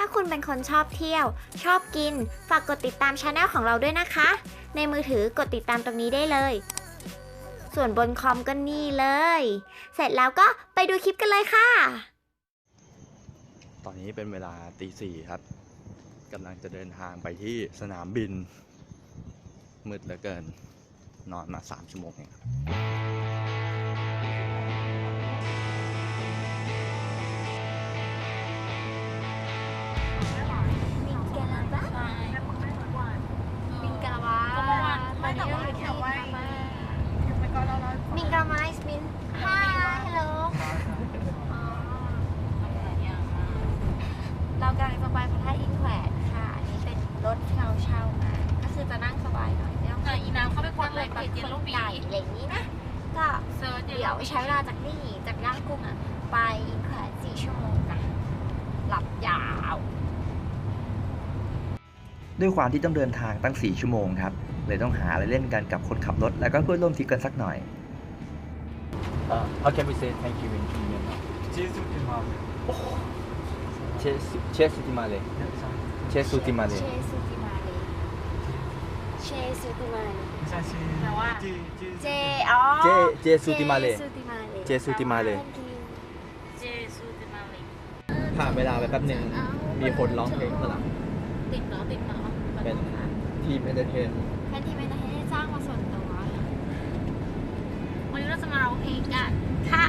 คุณเป็นคนชอบเที่ยว ชอบกิน ฝากกดติดตามช anel ของเราด้วยนะคะ ในมือถือกดติดตามตรงนี้ได้เลย ส่วนบนคอมก็นี่เลย เสร็จแล้วก็ไปดูคลิปกันเลยค่ะตอนนี้เป็นเวลาตี 4ครับกำลังจะเดินทางไปที่สนามบินมืดเหลือเกินนอนมา3 ชั่วโมงเองครับมิงกาวาไม่แต่ว่าแค่ว่ามิงกาไมส์มินฮ่าฮัลโหลเรากำลังจะไปพระธาตุอินแขวนค่ะอันนี้เป็นรถที่เราเช่ามาก็คือจะนั่งสบายหน่อยไม่ต้องอีน้ำเข้าไปกดเลยเพจเย็นลูกปีใหญ่อะไรอย่างนี้นะก็เซิร์ชเดี๋ยวใช้เวลาจากนี่จากย่างกุ้งอ่ะไปอินแขวน4 ชั่วโมงนะหลับยาวด้วยความที่ต้องเดินทางตั้ง 4 ชั่วโมงครับ เลยต้องหาอะไรเล่นกันกับคนขับรถ แล้วก็เพื่อนร่วมทริปกันสักหน่อย How can we say thank you in Myanmar? Chesu Timale. Chesu Timale. เชซูติมาเลแต่ว่าเจอ๋อ Jesu Timale เจซูติมาเลเจซูติมาเลยผ่านเวลาไปแป๊บหนึ่งมีคนร้องเพลงข้างหลังติดเนาะเป็นทีมเอนเตอร์เทนแค่ที่ไม่ได้ให้จ้างมาส่วนตัววันนี้เราจะมาร้องเพลงกันค่ะ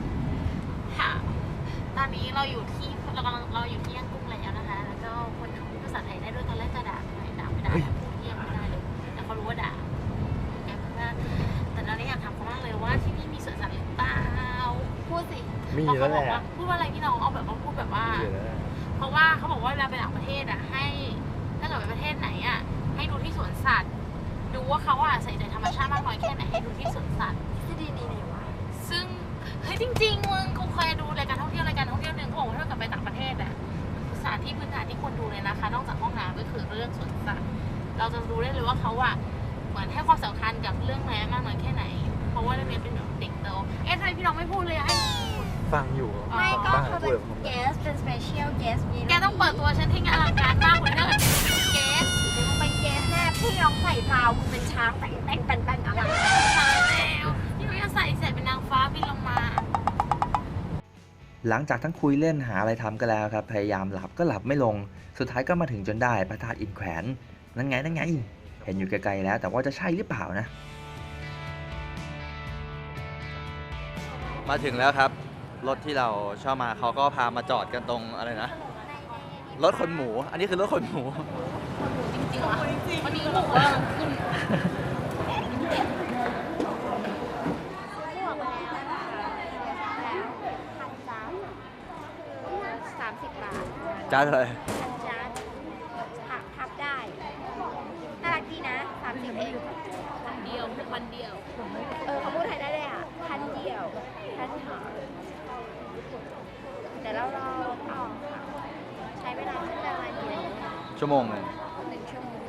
ตอนนี้เราอยู่ที่ย่างกุ้งแล้วนะคะแล้วก็คนพูดภาษาไทยได้ด้วยตอนแรกจะด่าไม่ได้พูดเยี่ยมไม่ได้เลยแต่เขารู้ว่าด่าแต่ตอนนี้อยากถามเขามากเลยว่าที่นี่มีสวนสัตว์หรือเปล่าพูดสิมีแล้วแหละพูดว่าอะไรพี่น้องเอาแบบว่าพูดแบบว่า เพราะว่าเขาบอกว่าเวลาไปต่างประเทศอ่ะให้ถ้าเกิดไปประเทศไหนอ่ะให้ดูที่สวนสัตว์ดูว่าเขาอ่ะใส่ใจธรรมชาติมากน้อยแค่ไหนให้ดูที่สวนสัตว์ที่ดีนี่วะซึ่งเฮ้ยจริงๆมึงกูเคยดูรายการท่องเที่ยวหนึ่งเขาบอกว่าถ้าเกิดไปต่างประเทศอ่ะสถานที่พื้นฐานที่ควรดูเลยนะคะนอกจากห้องน้ำก็คือเรื่องสวนสัตว์เราจะรู้ได้เลยว่าเขาอ่ะเหมือนให้ความสำคัญกับเรื่องแม้มากน้อยแค่ไหน เพราะว่าเรื่องนี้เป็นแบบเด็กโตทำไมพี่น้องไม่พูดเลยให้ฟังอยู่ไม่ก็บ้านเขาพูเป็ดนกับผม guest เป็น special guest มีแกต้องเปิดตัวฉันที่งานอลังการมากเลยถ้าเกิดเป็นเกสมึงเป็น guest แน่พี่น้องใส่พราวมึงเป็นช้างแต่งอะไรใช่แล้วพี่น้องจะใส่เสร็จเป็นนางฟ้าบินลงมาหลังจากทั้งคุยเล่นหาอะไรทำกันแล้วครับ พยายามหลับก็หลับไม่ลง สุดท้ายก็มาถึงจนได้พระธาตุอินแขวน นั่นไง เห็นอยู่ไกลๆแล้ว แต่ว่าจะใช่หรือเปล่านะมาถึงแล้วครับรถที่เราเช่ามาเขาก็พามาจอดกันตรงอะไรนะรถขนหมู อันนี้คือรถขนหมูจริงๆวะวันนี้บอกว่าขึ้น 30 บาทจ้าเลยจานพับได้น่ารักดีนะ30 เองวันเดียวเขาพูดไทยได้เลยอ่ะพันเดียวพันหอเดี๋ยวเรารอต่อค่ะใช้เวลาสักประมาณกี่นาทีชั่วโมงหนึ่ง 1 ชั่วโมง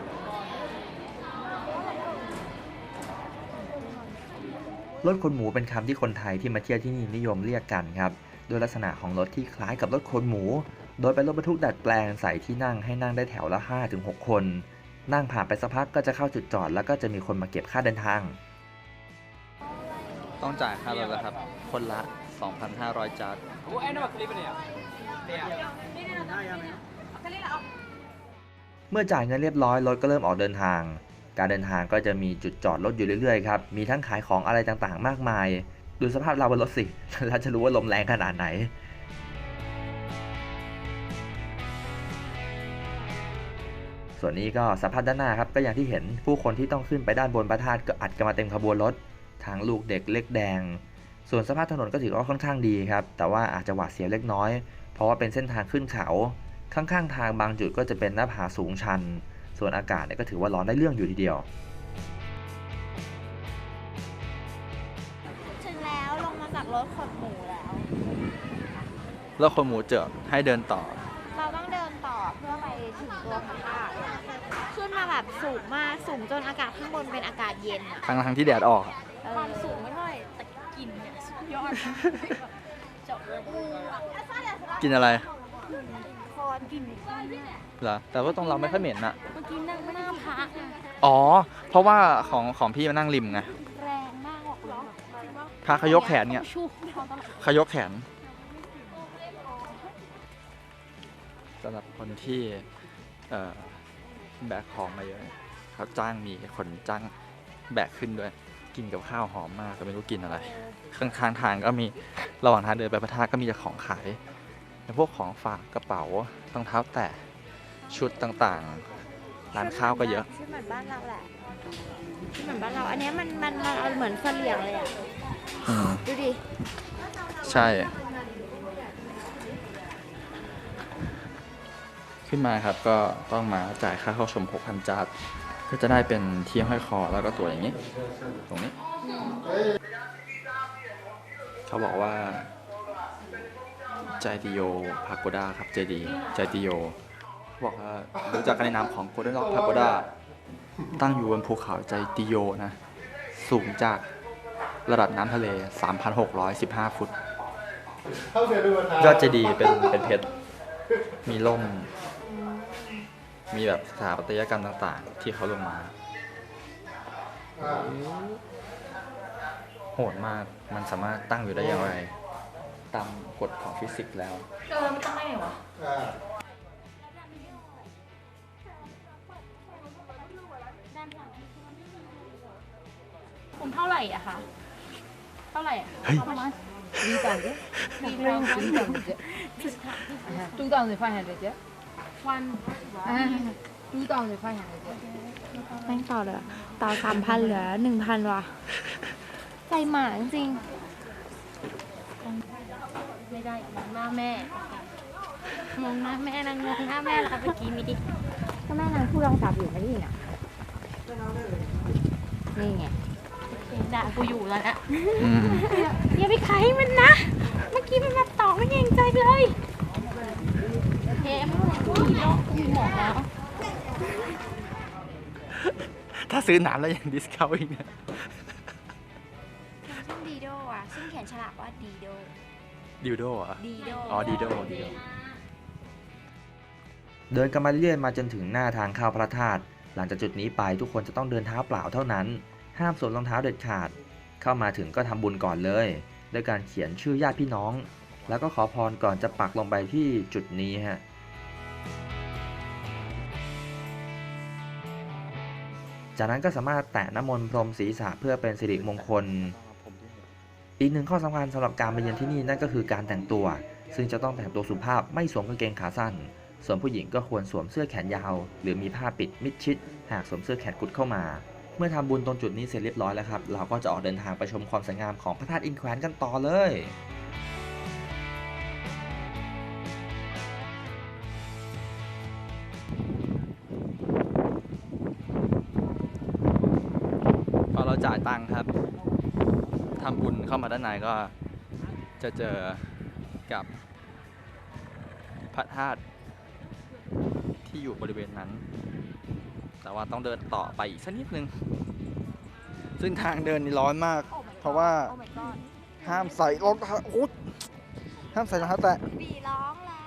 รถขนหมูเป็นคำที่คนไทยที่มาเที่ยวที่นี่นิยมเรียกกันครับโดยลักษณะของรถที่คล้ายกับรถขนหมู โดยเป็นรถบรรทุกดัดแปลงใส่ที่นั่งให้นั่งได้แถวละ 5-6 คน นั่งผ่านไปสักพักก็จะเข้าจุดจอดแล้วก็จะมีคนมาเก็บค่าเดินทางต้องจ่ายค่ารถแล้วครับ คนละ 2,500 จาร์ดเมื่อจ่ายเงินเรียบร้อยรถก็เริ่มออกเดินทาง การเดินทางก็จะมีจุดจอดรถอยู่เรื่อยๆครับ มีทั้งขายของอะไรต่างๆ มากมาย ดูสภาพเราบนรถสิ เราจะรู้ว่าลมแรงขนาดไหน ส่วนนี้ก็สภาพด้านหน้าครับ ก็อย่างที่เห็นผู้คนที่ต้องขึ้นไปด้านบนพระธาตุก็อัดกันมาเต็มขบวนรถทั้งลูกเด็กเล็กแดง ส่วนสภาพถนนก็ถือว่าค่อนข้างดีครับ แต่ว่าอาจจะหวาดเสียวเล็กน้อย เพราะว่าเป็นเส้นทางขึ้นเขา ข้างๆทางบางจุดก็จะเป็นหน้าผาสูงชัน ส่วนอากาศเนี่ยก็ถือว่าร้อนได้เรื่องอยู่ทีเดียวถึงแล้วลงมาจากรถขนหมูแล้วรถขนหมูเจอให้เดินต่อเราต้องเดินต่อเพื่อไปถึงตัวพระธาตุขึ้นมาแบบสูงมากสูงจนอากาศข้างบนเป็นอากาศเย็นอะทั้งที่แดดออกความสูงไม่เท่าไหร่แต่กลิ่นเนี่ยสุดยอดจบเลยกินอะไรโคนกลิ่นข้าวเนี่ยเหรอแต่ว่าตรงเราไม่ค่อยเหม็นอะเมื่อกี้นั่งหน้าพระอะอ๋อเพราะว่าของพี่มานั่งริมไงแรงมากบอกเลยพระเขายกแขนเนี่ยชูเขาตลอดเขายกแขนสำหรับคนที่แบกของมาเยอะเขาจ้างมีคนจ้างแบกขึ้นด้วย กินกับข้าวหอมมากก็ไม่รู้กินอะไร ข้างๆทางก็มีระหว่างทางเดินไปพระธาตุก็มีแต่ของขายพวกของฝากกระเป๋ารองเท้าแตะชุดต่างๆร้านข้าวก็เยอะชื่อเหมือนบ้านเราแหละชื่อเหมือนบ้านเรา อันเนี้ยมันเอาเหมือนเสลี่ยงเลยอ่ะอืมดูดิใช่ ขึ้นมาครับก็ต้องมาจ่ายค่าเข้าชม 6,000 จาทก็จะได้เป็นที่ห้อยคอแล้วก็ตัวอย่างนี้ ตรงนี้ เขาบอกว่าใจติโยพาโกดาครับเจดีใจติโยเขาบอกว่ารู้จักกันในนามของโกลเด้นล็อกพาโกดาตั้งอยู่บนภูเขาใจติโยนะ สูงจากระดับน้ำทะเล 3,615 ฟุต ยอดเจดีย์เป็นเพชร มีล่ม มีแบบสถาปัตยกรรมต่างๆ ที่เขาลงมา โหดมาก มันสามารถตั้งอยู่ได้อย่างไร ตามกฎของฟิสิกส์แล้วมันต้องได้ไงวะผมเท่าไหร่อะคะเท่าไหร่อะเฮ้ยประมาณ 2,000放下来着， วัน 2,000放下来着。 แม่งต่อเลยต่อ 3,000 เหลือ 1,000 ว่ะ ใจหมาจริงไม่ได้มองหน้าแม่มองหน้าแม่นางมองหน้าแม่แล้วเมื่อกี้มีดิก็แม่นางพูดรองจับอยู่ไม่ได้ยินอ่ะ นี่ไงด่ากูอยู่แล้วนะอืมอย่าไปขายมันนะ เมื่อกี้มันมาต่อไม่เกรงใจเลยโอเคไม่เป็นไรกูมีโรคกูมีหมอแล้วถ้าซื้อน้ำแล้วยังดิสเคาท์อีกเนี่ยซึ่งดีโดอ่ะ ซึ่งเขียนฉลากว่าดีโดดิวโดเหรอ่ะดีโดอ๋อดีโดเดินกันมาเรื่อยๆมาจนถึงหน้าทางเข้าพระธาตุหลังจากจุดนี้ไปทุกคนจะต้องเดินเท้าเปล่าเท่านั้น ห้ามสวมรองเท้าเด็ดขาด เข้ามาถึงก็ทำบุญก่อนเลยด้วยการเขียนชื่อญาติพี่น้อง แล้วก็ขอพรก่อนจะปักลงไปที่จุดนี้ฮะจากนั้นก็สามารถแตะน้ำมนต์พรมศีรษะเพื่อเป็นสิริมงคล อีกหนึ่งข้อสำคัญสำหรับการมาเยือนที่นี่นั่นก็คือการแต่งตัว ซึ่งจะต้องแต่งตัวสุภาพไม่สวมกางเกงขาสั้น ส่วนผู้หญิงก็ควรสวมเสื้อแขนยาว หรือมีผ้าปิดมิดชิด หากสวมเสื้อแขนกุดเข้ามา เมื่อทำบุญตรงจุดนี้เสร็จเรียบร้อยแล้วครับ เราก็จะออกเดินทางไปชมความสวยงามของพระธาตุอินแขวนกันต่อเลยพอเราจ่ายตังค์ครับทำบุญเข้ามาด้านในก็จะเจอกับพระธาตุที่อยู่บริเวณนั้น แต่ว่าต้องเดินต่อไปอีกสักนิดนึง ซึ่งทางเดินนี่ร้อนมาก เพราะว่าห้ามใส่รองเท้าอุ๊ยห้ามใส่รองเท้าแตะบีร้องแล้ว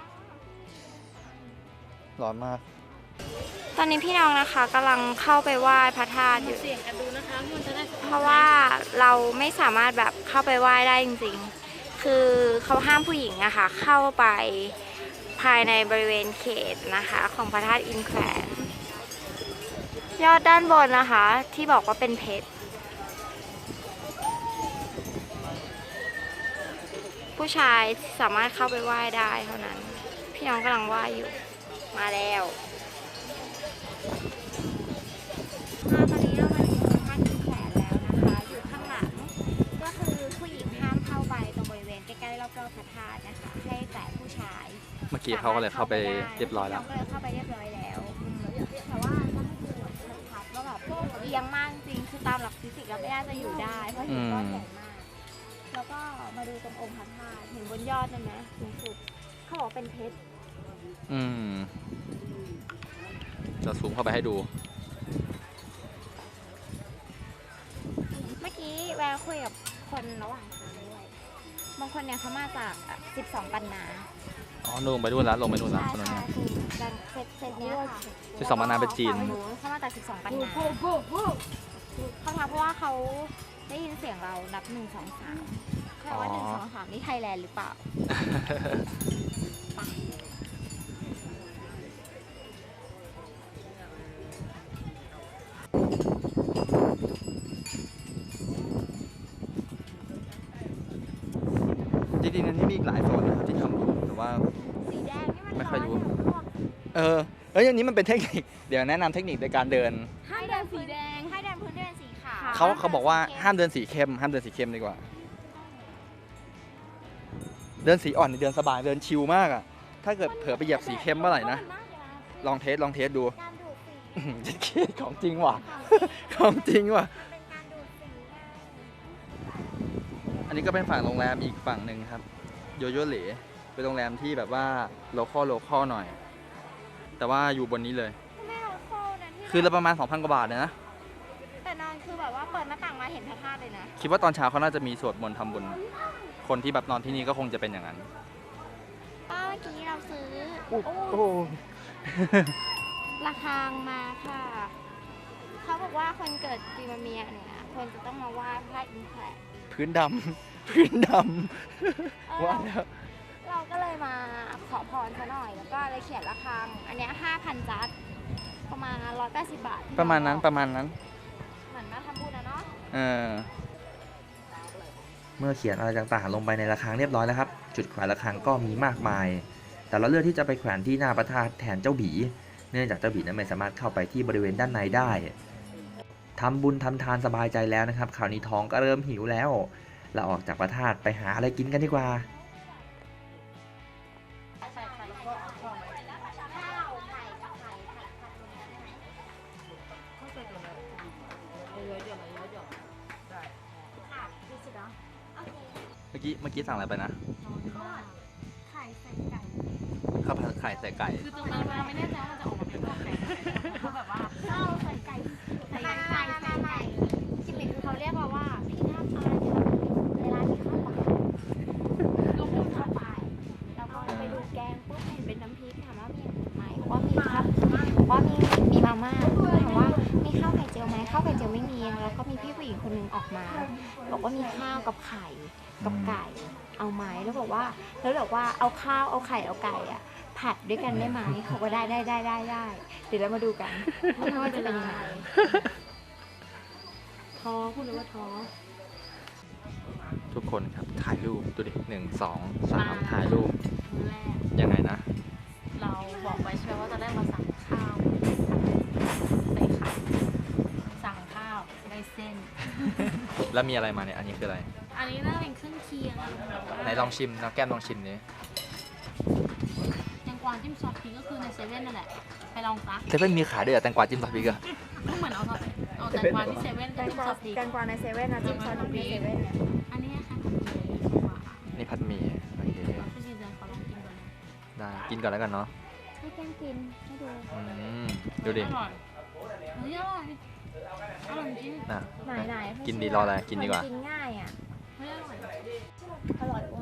ร้อนมากตอนนี้พี่น้องนะคะกำลังเข้าไปไหว้พระธาตุอยู่เสี่ยงกันดูนะคะมันจะได้เพราะว่าเราไม่สามารถแบบเข้าไปไหว้ได้จริงๆ คือเขาห้ามผู้หญิงอะค่ะเข้าไปภายในบริเวณเขตนะคะของพระธาตุอินแขวนยอดด้านบนนะคะที่บอกว่าเป็นเพชร ผู้ชายสามารถเข้าไปไหว้ได้เท่านั้น พี่น้องกำลังไหว้อยู่ มาแล้วตอนนี้เรามาถึงพระธาตุอินแขวนแล้วนะคะ อยู่ข้างหลัง ก็คือผู้หญิงห้ามเข้าไปตรงบริเวณใกล้ๆรอบๆพระธาตุนะคะ ให้แต่ผู้ชายเมื่อกี้เขาก็เลยเข้าไปเรียบร้อยแล้วก็เลยเข้าไปเรียบร้อยแล้วแต่ว่าต้องดูชัดว่าแบบเอียงมากจริงคือตามหลักฟิสิกส์แล้วไม่น่าจะอยู่ได้ เพราะหินก้อนใหญ่มาก แล้วก็มาดูตรงองค์พระธาตุเห็นบนยอดนั่นไหมสูงสุดเขาบอกเป็นเพชรอืมจะซูมเข้าไปให้ดูเมื่อกี้แววคุยกับคนระหว่างทางด้วย บางคนเนี่ยเขามาจาก12 ปันนาอ๋อลงไปนู่นแล้วลงไปนู่นแล้วใช่ถนนใช่เนี่ยคือเซตเนี้ยค่ะ 12ปันนาเป็นจีนฝั่งนู้นเข้ามาจาก12ปันนาโว้โว้โว้เข้ามาเพราะว่าเขาได้ยินเสียงเรานับ1 2 3แค่ว่าอ๋อ 1 2 3นี่ไทยแลนด์หรือเปล่าจริงๆอันนี้มีอีกหลายโซนนะครับที่ทำบุญแต่ว่าสีแดงนี่มันไม่ค่อยรู้ร้นอะพวกเอ้ยอันนี้มันเป็นเทคนิค เดี๋ยวแนะนำเทคนิคในการเดินให้เดินสีแดงให้เดินพื้นเดินสีขาวเขาบอกว่าห้ามเดินสีเข้มห้ามเดินสีเข้มดีกว่า เดินสีอ่อนนี่เดินสบายเดินชิลมากอ่ะ ถ้าเกิดเผลอไปเหยียบสีเข้มเมื่อไหร่นะ ลองเทสดูการดูดสีจะเครียดของจริงว่ะ ของจริงว่ะเป็นการดูดสีไงอันนี้ก็เป็นฝั่งโรงแรมอีกฝั่งหนึ่งครับ โยโย่เหลเป็นโรงแรมที่แบบว่าโลคอลหน่อย แต่ว่าอยู่บนนี้เลยไม่เอาโคนะที่คือละประมาณ 2,000 กว่าบาทเนี่ยนะแต่นอนคือแบบว่าเปิดหน้าต่างมาเห็นพระธาตุเลยนะคิดว่าตอนเช้าเขาน่าจะมีสวดมนต์ทำบุญ คนที่แบบนอนที่นี่ก็คงจะเป็นอย่างนั้นป้าเมื่อกี้เราซื้อโอ้ระฆังมาค่ะ เขาบอกว่าคนเกิดปีมะเมียเนี่ยควรจะต้องมาไหว้พระอินทร์แผลพื้นดำ พื้นดำว่าแล้วเราก็เลยมาขอพรซะหน่อย แล้วก็เลยเขียนระฆัง อันเนี้ย5,000 จัดประมาณ180 บาทที่ประมาณนั้นเประมาณนั้นเหมือนมาทำบุญนะเนาะเออเมื่อเขียนอะไรต่างๆลงไปในระฆังเรียบร้อยแล้วครับ จุดแขวนระฆังก็มีมากมาย แต่เราเลือกที่จะไปแขวนที่หน้าพระธาตุแทนเจ้าบีเนื่องจากเจ้าบีนั้นไม่สามารถเข้าไปที่บริเวณด้านในได้ทำบุญทำทานสบายใจแล้วนะครับคราวนี้ท้องก็เริ่มหิวแล้ว เราออกจากพระธาตุไปหาอะไรกินกันดีกว่าเมื่อกี้สั่งอะไรไปนะไข่ใส่ไก่ข้าวผัดไข่ใส่ไก่คือตรงนั้นเราไม่แน่ใจว่ามันจะออกมาเป็นรูปไหนคือแบบว่าข้าวใส่ไก่ใส่ไก่ใส่ไก่ชิมิคือเขาเรียกเราว่าพี่หน้าปลาในร้านมีข้าวปลาก็พูดข้าวปลาแล้วก็ไปดูแกงปุ๊บเห็นเป็นน้ำพริกถามว่ามีไหมบอกว่ามีครับบอกว่ามีมาม่าถามว่ามีข้าวไข่เจียวไหมข้าวไข่เจียวไม่มีแล้วก็มีพี่ผู้หญิงคนหนึงออกมา บอกว่ามีข้าวกับไข่กับไก่เอาไหมแล้วบอกว่าเอาข้าวเอาไข่เอาไก่อะผัดด้วยกันได้ไหมเขาก็ได้เดี๋ยวเรามาดูกันว่าจะเป็นยังไงท้อพูดเลยว่าท้อทุกคนครับถ่ายรูปดูดิ1 2 3ถ่ายรูปมื้อแรกยังไงนะเราบอกไปใช่ไหมว่าจะได้มาสั่งข้าวใส่ไข่สั่งข้าวได้เส้นแล้วมีอะไรมาเนี่ย อันนี้คืออะไรอันนี้น่าเป็นเครื่องเคียงอารมณ์แบบว่าไหนลองชิมนะแก้มลองชิมดิแตงกวาจิ้มซอสพริกก็คือในเซเว่นนั่นแหละ ไปลองซะเซเว่นมีขายด้วยเหรอแตงกวาจิ้มซอสพริกอะก็เหมือนเอาแตงกวาที่เซเว่นจิ้มซอสพริกแตงกวาในเซเว่นนะจิ้มซอสในเซเว่นเนี่ยอันนี้ค่ะผัดหมี่ดีกว่านี่ผัดหมี่โอเคพี่ชินเจนขอลองกินก่อนนะได้กินก่อนแล้วกันเนาะให้แกงกินให้ดูดูดิอร่อยเฮ้ยอร่อยอร่อยจริงนะไหนกินดีรออะไรกินดีกว่ากินง่ายอ่ะเฮ้ยอร่อยอร่อยอ้วน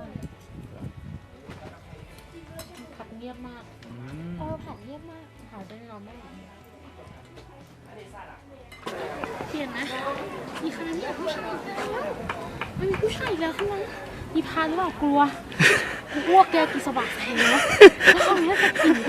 ผัดเงียบมากผัดเยี่ยมมากเผาได้เราไม่เปลี่ยนนะมีใครมีผู้ชายอีกแล้วไม่มีผู้ชายอีกแล้วข้างในมีพาหรือเปล่ากลัวพวกแกกินสบักแทงแล้วเขาไม่ได้กิน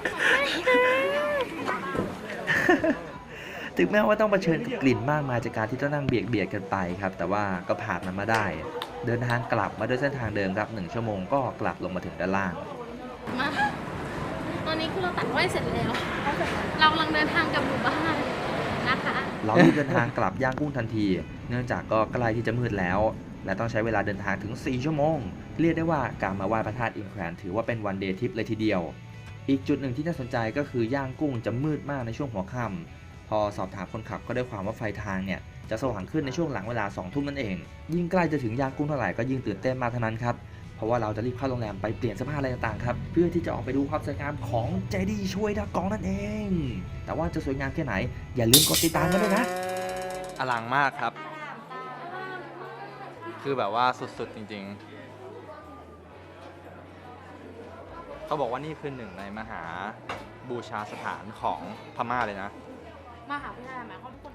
ถึงแม้ว่าต้องเผชิญกับกลิ่นมากมายจากการที่ต้องนั่งเบียดกันไปครับ แต่ว่าก็ผ่านมันมาได้ เดินทางกลับมาด้วยเส้นทางเดิมครับ1 ชั่วโมงก็กลับลงมาถึงด้านล่างมาตอนนี้คือเราตัดไว้เสร็จแล้ว เรากำลังเดินทางกลับหมู่บ้านนะคะเรารีบเดินทางกลับย่างกุ้งทันที เนื่องจากก็ใกล้ที่จะมืดแล้ว และต้องใช้เวลาเดินทางถึง4 ชั่วโมง เรียกได้ว่าการมาไหว้พระธาตุอินแขวนถือว่าเป็นวันเดย์ทริปเลยทีเดียว อีกจุดหนึ่งที่น่าสนใจก็คือย่างกุ้งจะมืดมากในช่วงหัวค่ำพอสอบถามคนขับก็ได้ความว่าไฟทางเนี่ยจะสว่างขึ้นในช่วงหลังเวลา2 ทุ่มนั่นเอง ยิ่งใกล้จะถึงย่างกุ้งเท่าไหร่ก็ยิ่งตื่นเต้นมากเท่านั้นครับเพราะว่าเราจะรีบเข้าโรงแรมไปเปลี่ยนเสื้อผ้าอะไรต่างๆครับเพื่อที่จะออกไปดูความสวยงามของเจดีย์ช่วยดากองนั่นเอง แต่ว่าจะสวยงามแค่ไหนอย่าลืมกดติดตามกันด้วยนะอลังมากครับ คือแบบว่าสุดๆจริงเขาบอกว่านี่คือหนึ่งในมหาบูชาสถานของพม่าเลยนะมหาวิทยาลัยหมายความว่าทุกคน